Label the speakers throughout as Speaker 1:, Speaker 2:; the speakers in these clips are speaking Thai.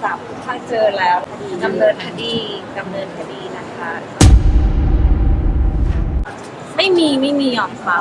Speaker 1: จับถ้าเจอแล้วดำเนินคดีนะคะ ไม่มียอมความ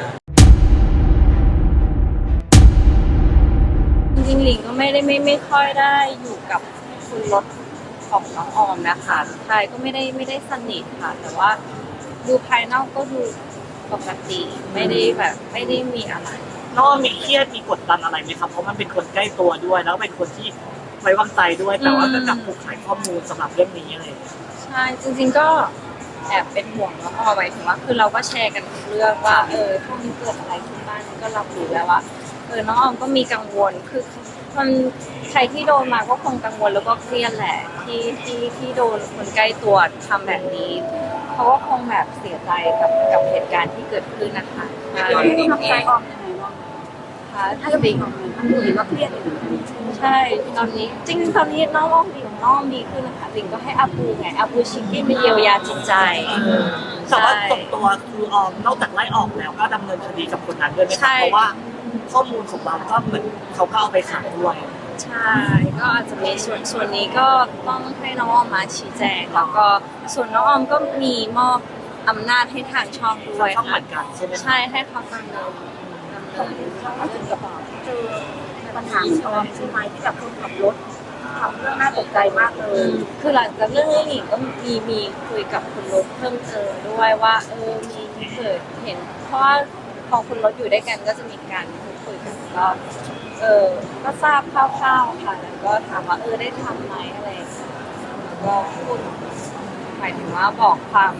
Speaker 1: จริงๆหลิงก็ไม่ค่อยได้อยู่กับคุณรถของน้องออมนะคะใช่ก็ไม่ได้สนิทค่ะแต่ว่าดูภายนอกก็ดูปกติไม่ได้มีอะไร
Speaker 2: น้องมีเครียดมีกดดันอะไรไหมครับเพราะมันเป็นคนใกล้ตัวด้วยแล้วเป็นคนที่ไว้วางใจด้วยแต่ว่าก็กลับถูกขายข้อมูลสำหรับเรื่องนี้อะไร
Speaker 1: ใช่จริงๆก็แอบเป็นห่วงน้องออมไว้ถึงว่าคือเราก็แชร์กันทุกเรื่องว่าช่วงนี้เกิดอะไรขึ้นบ้างก็รับรู้แล้วว่าน้องออมก็มีกังวลคือมันใครที่โดนมาก็คงกังวลแล้วก็เครียดแหละที่โดนคนใกล้ตัวทำแบบนี้เขาก็คงแบบเสียใจกับเหตุการณ์ที่เกิดขึ้นนะคะ
Speaker 3: ตอนนี้ทำใจออมยังไงบ้าง
Speaker 1: ค่ะ
Speaker 3: ถ้าจะเป็นของมันเห็นว่าเครียดอยู่
Speaker 1: ใช่ตอนนี้จริงตอนนี้น้องดีขึ้นนะคะหลิงก็ให้อาปูไงอาปูชิคกี้มาเยียวยาจิตใจ
Speaker 2: แต่ว่าตรงตัวคือออมนอกจากไล่ออกแล้วก็ดำเนินคดีกับคนนั้นด้วยไหมครับเพราะว่าข้อมูลของเราก็เหมือนเขาก็เอาไปขายด้วย
Speaker 1: ใช่ก็อาจจะมีส่วนนี้ก็ต้องให้น้องออมมาชี้แจงแล้วก็ส่วนน้องออมก็มีมอบอำนาจให้ทางช่องด้วย
Speaker 2: ช่องเหมือนกันใช่ไหม
Speaker 1: ใช่ให้เขาดำเนิน
Speaker 3: ก็ถึงกับเจอปัญหาของออมใช่ไหมที่แบบคนขับรถทำเรื่องน่าตกใจมากเลย
Speaker 1: คือหลังจากเรื่องนี้หนิงก็มีคุยกับคุณรถเพิ่มเติมด้วยว่ามีเกิดเห็นเพราะว่าพอคุณรถอยู่ด้วยกันก็จะมีการคุยกันก็ทราบคร่าวๆค่ะแล้วก็ถามว่าได้ทำไหมอะไรก็พูดหมายถึงว่าบอกความ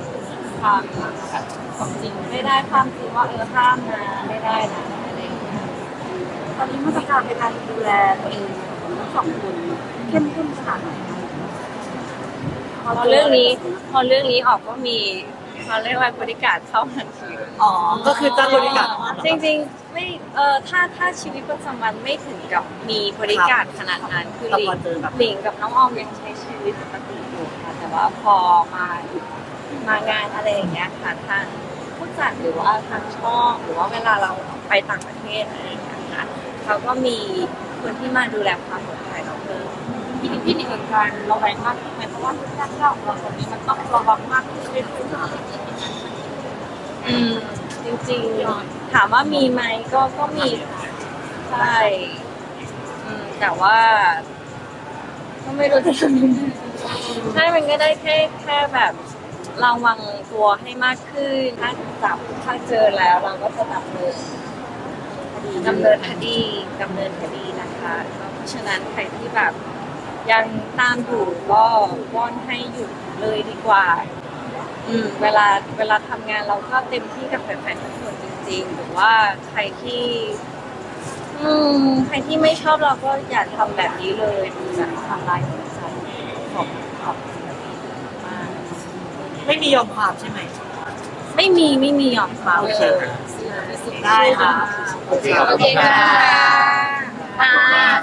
Speaker 1: จริงไม่ได้ความจริงว่าห้ามนะไม่ได้นะอะไรอย่างเงี้ย
Speaker 3: ตอนนี้มาตรการในการดูแลตัวเองของทั้งสองคนเข้มข้นขนาดไหน
Speaker 1: พอเรื่องนี้ออกก็มีเขาเรียกว่าบริการเข้าทันที
Speaker 2: ก็คือจะบริการ
Speaker 1: จริงๆไม่ถ้าชีวิตประจำวันไม่ถึงกับมีบริการขนาดนั้นคือหลิงกับน้องออมยังใช้ชีวิตปกติอยู่ค่ะแต่ว่าพอมางานอะไรอย่างเงี้ยค่ะทางผู้จัดหรือว่าทางช่องหรือว่าเวลาเราไปต่างประเทศอะไรอย่างเงี้ยค่ะเขาก็มีคนที่มาดูแลความปลอดภัยเราเพิ่ม
Speaker 3: ที่มีเหตุการณ์ระแวงมากขึ้นไหมเพราะว่าทุกด้านของเราตอนนี้มันต้องระวังมากขึ้นเรื่อย
Speaker 1: จริงๆถามว่ามีไหมก็มีใช่แต่ว่าก็ไม่รู้จะทำยังไงใช่มันก็ได้แค่แบบระวังตัวให้มากขึ้นถ้าเจอแล้วเราก็จะดำเนินคดีนะคะเพราะฉะนั้นใครที่แบบยังตามอยู่ก็วอนให้หยุดเลยดีกว่าเวลาทำงานเราก็เต็มที่กับแฟนๆทุกคนจริงๆหรือว่าใครที่ไม่ชอบเราก็อย่าทำแบบนี้เลยมันจะทำลายหัวใจของศิลปินมาก
Speaker 2: ไม่มียอมความใช่ไหม
Speaker 1: ไม่มียอมความ
Speaker 2: ได้ค่ะ
Speaker 1: โอเคค่ะ